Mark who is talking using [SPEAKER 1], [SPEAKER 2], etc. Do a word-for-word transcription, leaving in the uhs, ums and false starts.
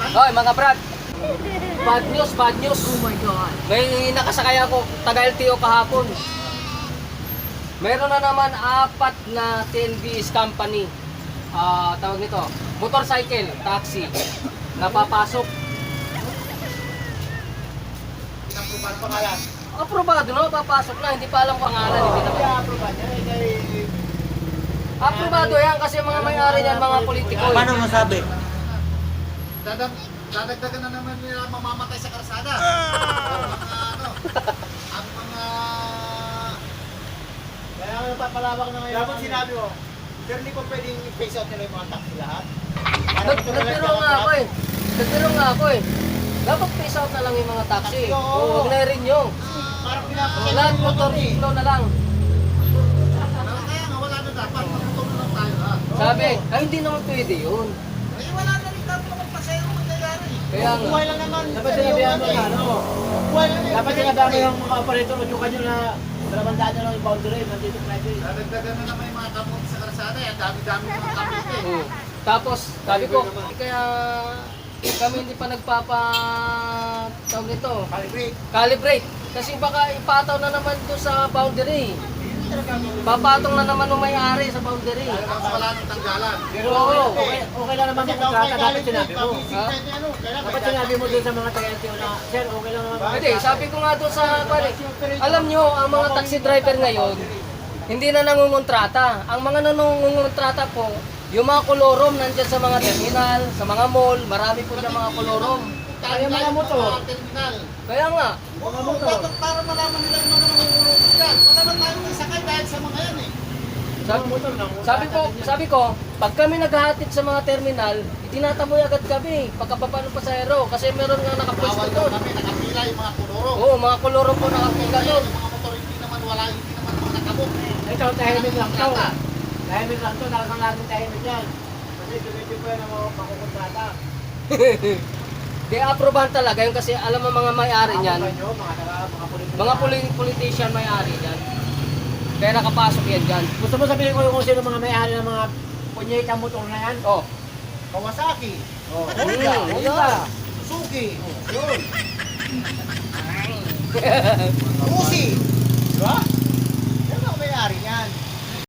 [SPEAKER 1] Hoy, mga brad. Bad news, bad news.
[SPEAKER 2] Oh my God.
[SPEAKER 1] May nakasakay ako, taga L T O kahapon. Meron na naman apat na T N B S company. Ah, tawag nito, motorcycle, taxi, napapasok.
[SPEAKER 3] Paano pangalan?
[SPEAKER 1] Aprobado na, papasok na, hindi pa alam kung pangalan, hindi na.
[SPEAKER 3] Kaya approve niya. Eh, kay...
[SPEAKER 1] Aprobado yan kasi mga may-ari niyan, mga politiko.
[SPEAKER 4] Paano masabi?
[SPEAKER 3] Dadag, dadagdagan na naman nila mamamatay sa karsada. Ang mga ano, ang mga... Kaya nga napapalawak na ngayon. Dapat sinabi mo, pero hindi pa pwedeng i-face out nila yung mga taxi lahat.
[SPEAKER 1] Nag- Nagbiro nga ako eh. Nagbiro nga ako eh. Dapat face out na lang yung mga taxi.
[SPEAKER 3] Taxi, oo.
[SPEAKER 1] Oo, huwag na rin yung.
[SPEAKER 3] Parang pinapakita.
[SPEAKER 1] Lahat motor iklo na lang.
[SPEAKER 3] Kaya nga wala na dapat, magtutulong lang tayo ha.
[SPEAKER 1] Sabi, ay hindi naman pwede yun.
[SPEAKER 3] Ay wala na rin dapat naman pasero mangyayari.
[SPEAKER 1] Kaya nga.
[SPEAKER 3] Buhay lang naman.
[SPEAKER 5] Dapat sinabihan mo na, ano?
[SPEAKER 3] Buhay lang
[SPEAKER 5] Dapat sinabihan mo yung mga operator, udyukan nyo na dalawang daan na lang yung boundary, nandito pwede.
[SPEAKER 3] Dadagdagan na naman yung mga kamote sa karsada. Ang dami-dami ng kamote eh.
[SPEAKER 1] Oo. Tapos, sabi ko, eh, kaya kami hindi pa nagpapa tawag nito,
[SPEAKER 3] Calibrate.
[SPEAKER 1] calibrate. Kasi baka ipataw na naman doon sa boundary. Papatong na naman ng may-ari sa boundary.
[SPEAKER 3] Talagang wala nang tanggalan.
[SPEAKER 5] Pero
[SPEAKER 1] Oo.
[SPEAKER 5] okay, okay, okay lang naman
[SPEAKER 3] Kasi
[SPEAKER 5] yung
[SPEAKER 3] daw
[SPEAKER 5] kontrata,
[SPEAKER 3] kay
[SPEAKER 5] dapat
[SPEAKER 3] Calibrate,
[SPEAKER 5] sinabi mo.
[SPEAKER 3] pag-isip
[SPEAKER 1] Ha?
[SPEAKER 3] tayo ni ano, kailangan
[SPEAKER 5] Dapat
[SPEAKER 3] may
[SPEAKER 5] sinabi mo dun sa mga taga-L T O na, sir, okay lang naman.
[SPEAKER 1] Hindi, sabi ko nga doon sa pare, alam nyo, ang mga taxi driver ngayon, hindi na nangungontrata. Ang mga nangungontrata po, yung mga kolorom nandyan sa mga terminal, sa mga mall, marami po dyan mga kolorom.
[SPEAKER 5] Kaya mga motor.
[SPEAKER 3] terminal.
[SPEAKER 1] Kaya nga,
[SPEAKER 3] Mga motor. Para malaman nila yung mga nangungulong dyan. Wala na tayong isakay dahil sa mga yan eh.
[SPEAKER 1] sabi, sabi ko, sabi ko, pag kami naghahatid sa mga terminal, itinataboy agad kami, pagkapapano pasahero, kasi meron nga nakapwesto
[SPEAKER 3] Bawal daw
[SPEAKER 1] doon.
[SPEAKER 3] kami, nakapila yung mga kuloro.
[SPEAKER 1] Oo, mga kolorom po nakapila
[SPEAKER 3] Kaya
[SPEAKER 1] doon.
[SPEAKER 3] yung mga motor hindi naman wala, hindi naman mga nakabok.
[SPEAKER 5] Ito, tahimik lang to. Tahimik lang to, nakakang laging tahimik yan. Kasi dumityo po yan ang mga makukontrata.
[SPEAKER 1] Di aprobahan talaga yun kasi alam mo mga may-ari niyan,
[SPEAKER 5] Ako nyo, mga taga, mga politiko.
[SPEAKER 1] mga poli- politician may-ari niyan. Kaya nakapasok yan dyan.
[SPEAKER 5] Gusto mo sabihin ko yung kung sino mga may-ari ng mga punyetang motor na yan?
[SPEAKER 1] Oh,
[SPEAKER 3] Kawasaki.
[SPEAKER 5] Oh,
[SPEAKER 3] Honda.
[SPEAKER 1] Mm,
[SPEAKER 5] Honda.
[SPEAKER 3] Suzuki. Yun. Uzi. Diba? Yan ang may-ari yan.